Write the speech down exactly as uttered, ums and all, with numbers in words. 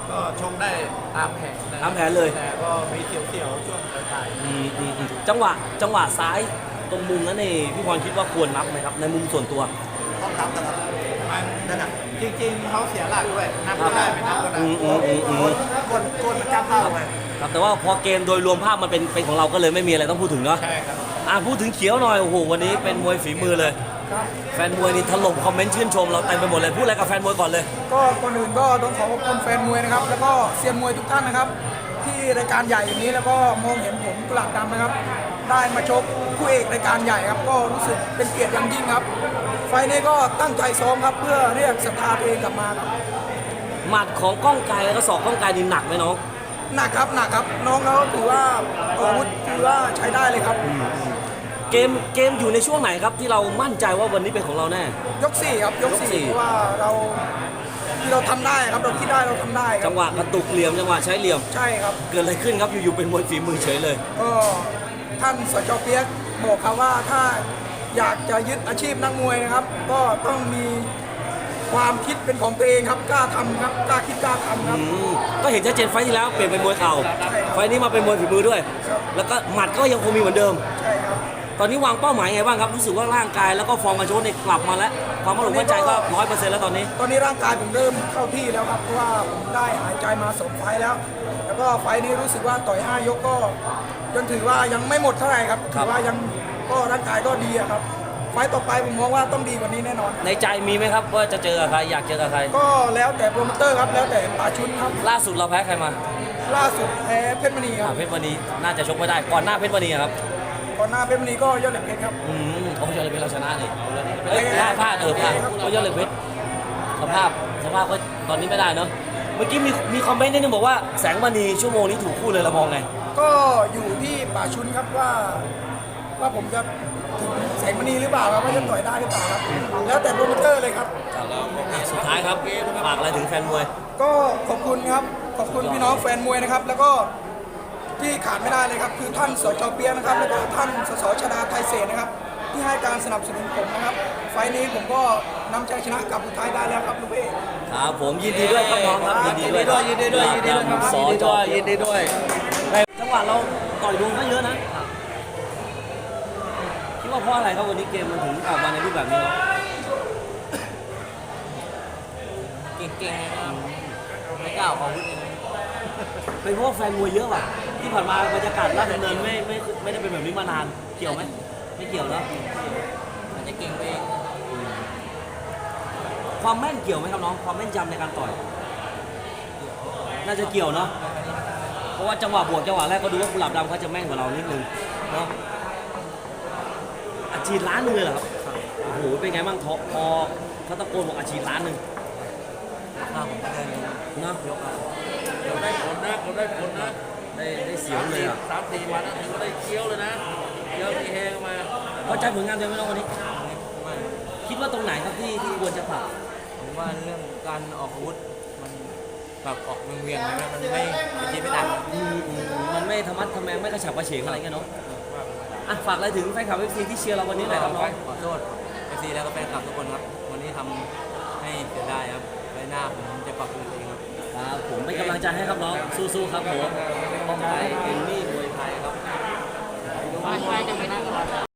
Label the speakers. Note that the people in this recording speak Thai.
Speaker 1: ก็ชงได้ตามแผนนะ
Speaker 2: ตามแผนเลย
Speaker 1: แต่ก็มีเสียวๆช่วงท้าย
Speaker 2: อืมอืมอืมจังหวะจังหวะซ้ายตรงมุมนั้นนี่พี่พรคิดว่าควรนับไหมครับในมุมส่วนตัว
Speaker 1: ๆต้องนับนะครับมันนั่นน่ะจริงๆเขาเสียหลักด้วยนับก็ได้ไม่นับก็ได้
Speaker 2: อืมอืมอืมอืม
Speaker 1: กดกดมันจับเท่าไง
Speaker 2: ครับแต่ว่าพอเกมโดยรวมภาพมันเป็นเป็นของเราก็เลยไม่มีอะไรต้องพูดถึงเนาะ
Speaker 1: ใช่ครับ
Speaker 2: อ่ะพูดถึงเขียวหน่อยโอ้โหวันนี้เป็นมวยฝีมือเลย
Speaker 3: ครับ
Speaker 2: แฟนมวยนี่ถล่มคอมเมนต์ชื่นชมเราเต็มไปหมดเลยพูดอะไรกับแฟนมวยก่อนเลย
Speaker 3: ก็ก่อนอื่นก็ต้องขอขอบคุณแฟนมวยนะครับ แล้วก็เซียนมวยทุกท่านนะครับ ที่รายการใหญ่อย่างนี้แล้วก็มองเห็นผมกุหลาบดำนะครับ ได้มาชกคู่เอกรายการใหญ่ครับก็รู้สึกเป็นเกียรติอย่างยิ่งครับ ไฟล์นี้ก็ตั้งใจซ้อมครับเพื่อเรียกศรัทธาตัวเองกลับมาครับ
Speaker 2: หมัดของก้องไกรแล้วก็ศอกก้องไกรนี่หนักไหมน้อง
Speaker 3: หนักครับหนักครับน้องเขาถือว่าอาวุธถือว่าใช้ได้เลยครับ
Speaker 2: เกมเกมอยู่ในช่วงไหนครับที่เรามั่นใจว่าวันนี้เป็นของเราแน่
Speaker 3: ยกสี่ครับยก
Speaker 2: ยกสี่
Speaker 3: สี่เพราะว่าเราที่เราทำได้ครับเราคิดได้เราทำได้ครั
Speaker 2: จั
Speaker 3: บ
Speaker 2: งหวะกระตุกเหลี่ยมจังหวะใช้เหลี่ยม
Speaker 3: ใช่ครับ
Speaker 2: เกิดอะไรขึ้นครับอยู่ๆเป็นมวยฝีมือเฉยเลย
Speaker 3: ก็ท่านสจเปียกบอกครับว่าถ้าอยากจะยึดอาชีพนักมวยนะครับ ก็ต้องมีความคิดเป็นของตัวเองครับกล้าทำครับกล้าคิดกล้าทำครับ
Speaker 2: อืมก็เห็นชัดเจนไฟล์ที่แล้วเปลี่ยนเป็นมวยเข่า
Speaker 3: ใช่ครับ
Speaker 2: ไฟล์นี้มาเป็นมวยฝีมือด้วย
Speaker 3: ครับ
Speaker 2: แล้วก็หมัดก็ยังคงมีเหมือนเดิม
Speaker 3: ใช่ครับ
Speaker 2: ตอนนี้วางเป้าหมายไงบ้างครับรู้สึกว่าร่างกายแล้วก็ฟอร์มการชกเนี่ยกลับมาแล้วความมั่นคงมั่นใจก็ร้อยเปอร์เซ็นต์แล้วตอนนี้
Speaker 3: ตอนนี้ร่างกายผมเริ่มเข้าที่แล้วครับเพราะว่าผมได้หายใจมาสองไฟล์แล้ว แล้วก็ไฟล์นี้รู้สึกว่าต่อยห้ายกก็ยังถือว่ายังไม่หมดเท่าไหร่ครับ
Speaker 2: ครั
Speaker 3: ถื
Speaker 2: บ
Speaker 3: อว่ายังก็ร่างกายก็ดีอะครับ ไฟล์ต่อไปผมมองว่าต้องดีกว่านี้แน่นอน
Speaker 2: ในใจมีไหมครับว่าจะเจอกับใครอยากเจอกับใคร
Speaker 3: ก็แล้วแต่โปรโมเตอร์ครับแล้วแต่ป่าชุนครับ
Speaker 2: ล่าสุดเราแพ้ใครมา
Speaker 3: ล่าสุดแพ้เพชรมณีค
Speaker 2: อ่า
Speaker 3: รับ
Speaker 2: เพชรมณีน่าจะชกไม่ได้ก่อนหน้าเพชรมณีอะครับ
Speaker 3: ก่อนหน้าเพชรมณีก็ยอดเหล็กเพชรครับ
Speaker 2: อืมโอ้ยอดเลยเพชรเราชนะนี่เอ้ยพลาดพลาดเออพลาดโอ้ยยอดเลยเพชรสภาพสภาพก็ตอนนี้ไม่ได้เนาะเมื่อกี้มีมีคอมเมนต์นิดนึงบอกว่าแสงมณีชั่วโมงนี้ถูกคู่เลยเรามองไง
Speaker 3: ก็อยู่ที่ป่าชุนครับว่าว่าผมจะถึงแสงมณีหรือเปล่าครับว่าจะต่อยได้หรือเปล่าครับแล้วแต่โปรโมเตอร์เลยครับ
Speaker 2: อ่ะสุดท้ายครับฝากอะไรถึงแฟนมวย
Speaker 3: ก็ขอบคุณครับขอบคุณพี่น้องแฟนมวยนะครับ แล้วก็ที่ขาดไม่ได้เลยครับคือท่านสจเปียนะครับแล้วก็ท่านสสชดาไทยเศรษฐ์นะครับ ที่ให้การสนับสนุนผมนะครับ ไฟล์นี้ผมก็นำชัยชนะกลับสุดท้ายได้แล้วครับลูกเอ้
Speaker 2: ครับผมยินดีด้วยครับน้องครับยินดีด้วย
Speaker 1: ยินดีด้วยยินดีด้วยครับ
Speaker 2: สอ
Speaker 1: ยินดี
Speaker 2: จ
Speaker 1: ด้วยยินดีด้วย
Speaker 2: จังหวะเราต่อยโดนก็เยอะนะคิดว่าเพราะอะไรครับวันนี้เกมมันถึงออกมาในรูปแบบนี้เนาะ
Speaker 1: เก่งๆไม่กล้าออกอาวุธเอง
Speaker 2: เป็นเพราะว่าแฟนมวยเยอะว่ะที่ผ่านมาบรรยากาศราชดำเนินไม่ไม่ไม่ได้เป็นแบบนี้มานานเกี่ยวไหมไม่เกี่ยวเนอะ
Speaker 1: มันจะเก่งไปเอง
Speaker 2: ความแม่นเกี่ยวไหมครับน้องความแม่นยำในการต่อยน่าจะเกี่ยวเนาะเพราะว่าจังหวะบวกจังหวะแรกก็ดูว่ากุหลาบดำเขาจะแม่นกว่าเรานิดนึงเนาะอาชีพล้านหนึงเลยเหรอครับโอ้โหเป็นไงบ้างทอพอเขาตะโกนบอกอาชีพล้านหนึ่ง
Speaker 1: ข้าวผมก็ได้เลย
Speaker 2: เนาะ
Speaker 4: เดี๋ยวได้ผลนะเขาได้ผลนะ
Speaker 2: ได้ได้เสียวเลยอ่ะ
Speaker 4: สามสี่วันนะถึงก็ได้เคี้ยวเลยนะเคี้ยวมีแหงมา
Speaker 2: พอใจผลงานตัวเองไหมน้องวันนี้
Speaker 1: ไม่
Speaker 2: คิดว่าตรงไหนครับที่ที่ควรจะปรับ
Speaker 1: ผมว่าเรื่องการออกอาวุธมันแบบออกเวียงๆอะไรมันไม่ไม่คิดไม่ทัน
Speaker 2: อืมอืมอืมมันไม่ธรรมะทำแมงไม่กระฉับกระเฉงอะไรเงี้ยเนาะอ่ะฝากอะไรถึงแฟนคลับเอฟซีที่เชียร์เราวันนี้หน่อยครับน้อง
Speaker 1: ขอโทษเอฟซีแล้วก็แฟนคลับทุกคนครับ วันนี้ทำให้เสียดายครับไว้หน้าผมจะปรับปรุงตัวเองครับ
Speaker 2: ครับผมเป็นกำลังใจให้ครับน้องสู้ๆครับผมป้องไทยเอ็นนี่มวยไทยครับ
Speaker 1: ไปไปจะไปนั่งก่อน